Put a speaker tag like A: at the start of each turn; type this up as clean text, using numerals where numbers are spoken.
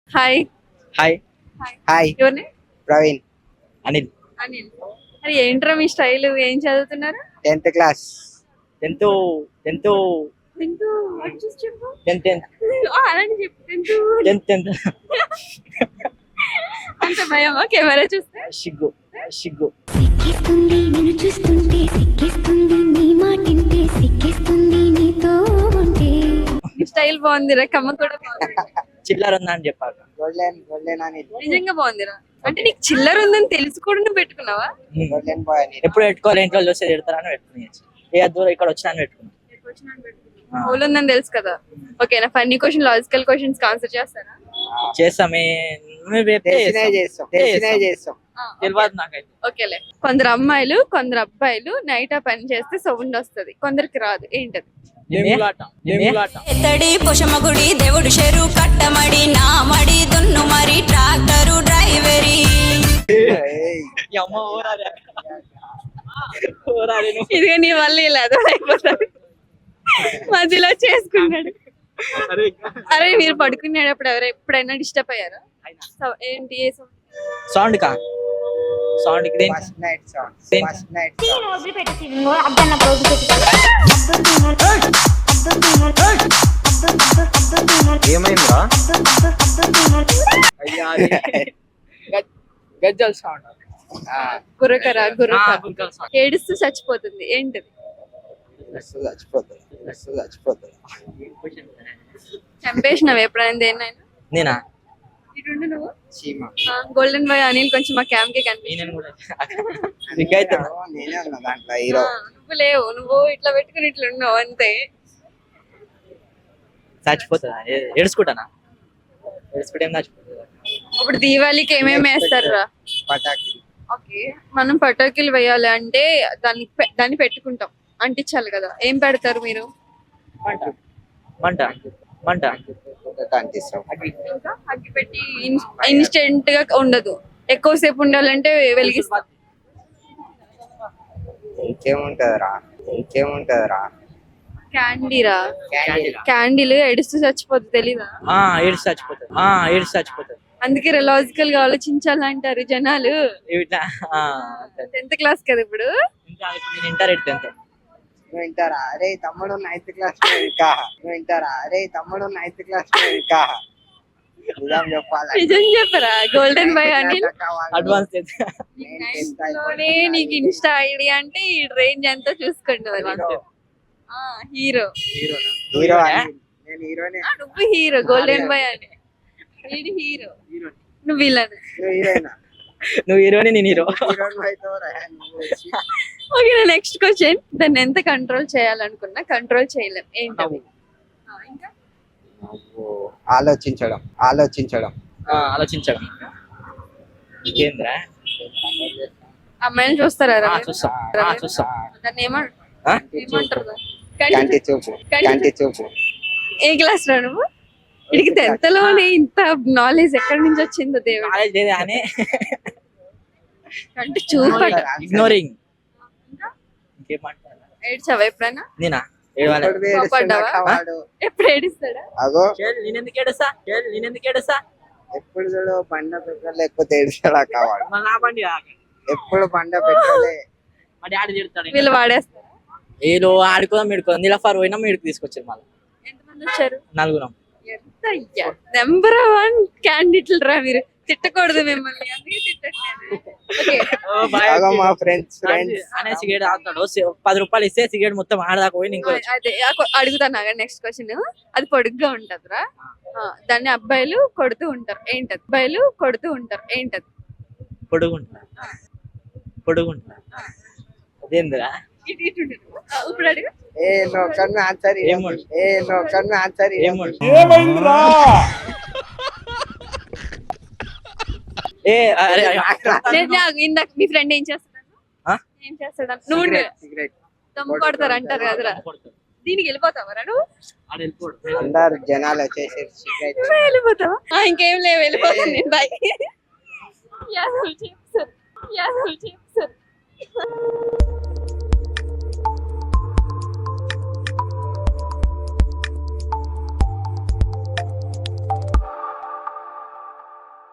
A: Hi.
B: Hi.
A: Hi.
B: Hi.
A: ఎవరిని?
B: ప్రవీణ్. అనిల్.
A: అనిల్. మరి ఏంట్రా మీ స్టైల్? ఏం చదువుతున్నారు?
B: 10th class. 10th
A: tenth. What చూసి చెప్పు.
B: 10th
A: అలాంటి చెప్పు. టెన్త్. అంత భయమా కెమెరా చూస్తే?
B: సిగ్గు.
C: సిక్కిస్తుంది నిన్ను చూస్తుంటే, సిక్కిస్తుంది నీ మాటింటే, సిక్కిస్తుంది నీతో ఉంటే.
A: స్టైల్ బాగుందిరా, కమ్మ కూడా బాగుంది.
B: చిల్లర ఉందా అని చెప్పాక. గోల్డెన్ అని.
A: నిజంగా బాగుందిరా. అంటే నీకు చిల్లర ఉందని తెలిసి కూడా నువ్వు పెట్టుకున్నావా?
B: గోల్డెన్ బాయ్ అని. ఎప్పుడు పెట్టుకోవాలి, ఇంట్లో చూస్తే తిడతారని పెట్టుకుని ఏ దూరం ఇక్కడ వచ్చినా అని పెట్టుకున్నాను.
A: హోల్ ఉందని తెలుసు కదా. ఓకేనా? Funny question, logical questions answer చేస్తారా?
B: చేస్తామే. చేస్తాం. తెలియదు నాకైతే.
A: ఓకేలే. కొందరు అమ్మాయిలు కొందరు అబ్బాయిలు నైట్ ఆ పని చేస్తే సౌండ్ వస్తది, కొందరికి రాదు. ఏంటది?
D: ఎత్తడి పొషమగుడి దేవుడు చెరు కట్టమడి నామడి దున్ను మరి ట్రాక్టరు డ్రైవరీ.
A: ఇదిగా నీ వల్ల ఇలా అయిపోతుంది. మధ్యలో చేసుకున్నాడు. అరే మీరు పడుకునేటప్పుడు ఎప్పుడైనా డిస్టర్బ్ అయ్యారా? ఏంటి? ఏ
B: సౌండ్ కా సౌండ్ ఏమైందా? గజ్జల్ సౌండ్.
A: గుర్రకరా ఏడుస్తూ చచ్చిపోతుంది. ఏంటది? చంపేసినావు ఎప్పుడైనా దేన్నైనా?
B: నేనా?
A: ఇటుండు నువ్వు. గోల్డెన్ బాయ్ అనిల్ కొంచెం మా క్యాంప్ కి కనిపించింది. నువ్వు లేవు, నువ్వు ఇట్లా పెట్టుకుని ఇట్లా ఉన్నావు అంతే.
B: చచ్చిపోతుందా? ఏడుచుకుంటానా? ఏడుచుకుంటే ఏం చచ్చిపోతుందా?
A: ఇప్పుడు దీవాళికి ఏమేమి వేస్తారా? ఓకే, మనం పటాకులు వేయాలి అంటే దాన్ని పెట్టుకుంటాం, అంటించాలి కదా. ఏం పెడతారు మీరు?
B: మంట.
A: ఇంకా అగ్గి పెట్టి ఇన్స్టెంట్ గా ఉండదు, ఎక్కువసేపు ఉండాలంటే వెలిగిస్తాం.
B: ఇంకేముంటదరా?
A: క్యాండీరా. క్యాండిల్ ఎడుస్తూ చచ్చిపోతుంది, తెలీదా?
B: ఏడుస్తూ చచ్చిపోతుంది.
A: అందుకే లాజికల్ గా ఆలోచించాలంటారు జనాలు. 10th క్లాస్ కదా ఇప్పుడు.
B: Inter 10th. వింటారా? అరే తమ్ముడు 9th క్లాస్
A: నిజం చెప్పరా? గోల్డెన్ బాయ్ అని
B: అడ్వాన్స్
A: లోనే నీకు ఇన్స్టా ఐడి అంటే ఈ రేంజ్ ఎంతో చూసుకోండి. హీరో. నువ్వు హీరో, గోల్డెన్ బాయ్ అని. హీరో, నువ్వు విలన్.
B: నువ్వు హీరోని, నేను హీరో.
A: Okay, next question. దాన్ని ఎంత కంట్రోల్ చేయాలనుకున్నా కంట్రోల్ చేయలేం. ఏంటది? ఇంకా
B: ఆలోచించడం. ఇంకేంద్రా?
A: అమ్మాయిని చూస్తారా?
B: చూస్తాం.
A: దాన్ని ఏమంటారు?
B: చూపు.
A: ఏ క్లాస్ రా నువ్వు? ఇడికి 10th లోనే ఇంత నాలెడ్జ్ ఎక్కడి నుంచి వచ్చిందో దేవుడు. అంటే చూపట.
B: ఇగ్నోరింగ్.
A: ఏడ్చావా ఎప్పుడైనా?
B: నేనా?
A: ఎప్పుడు ఏడుస్తాడా?
B: నేనెందుకు ఏడుస్తా?
E: ఎప్పుడు చూడు బండ పెట్రోల్ లేకపోతే ఏడుస్తాడా కావాలి. ఎప్పుడు బండ పెట్రోలే.
A: వీళ్ళు వాడేస్తారా?
B: వీళ్ళు ఆడుకోదాం ఇడుకోదాం నీళ్ళఫార్ పోయినా మీడికి తీసుకొచ్చారు. మళ్ళీ
A: ఎంతమంది వచ్చారు?
B: 4.
A: నెంబర్ 1 క్యాండిడేట్లు రా మీరు. తిట్టకూడదు మిమ్మల్ని, అందుకే తిట్టట్లేదు.
E: మా ఫ్రెండ్స్
B: అనే సిగరెట్ తాగుతాడు. 10 రూపాయలు ఇస్తే సిగరెట్ మొత్తం ఆడదాకా పోయి ఇంకో
A: అదే అడుగుతాను. Next question. అది పొడుగ్గా ఉంటదిరా, దాన్ని అబ్బాయిలు కొడుతూ ఉంటారు. ఏంటది? ఏంటది?
B: పొడుగుంటా. అదేందిరా?
A: ఇప్పుడు అడుగు. ఇందాక మీ ఫ్రెండ్ ఏం చేస్తాడు? నువ్వు దమ్ము కొడతారు అంటారు కదరా, దీనికి వెళ్ళిపోతావరా నువ్వు?
E: అందరు జనాలు వచ్చేసి
A: వెళ్ళిపోతావా? ఇంకేం లేవు, వెళ్ళిపోతాను నేను. బాయ్. యాదవ్ చెప్పు సార్.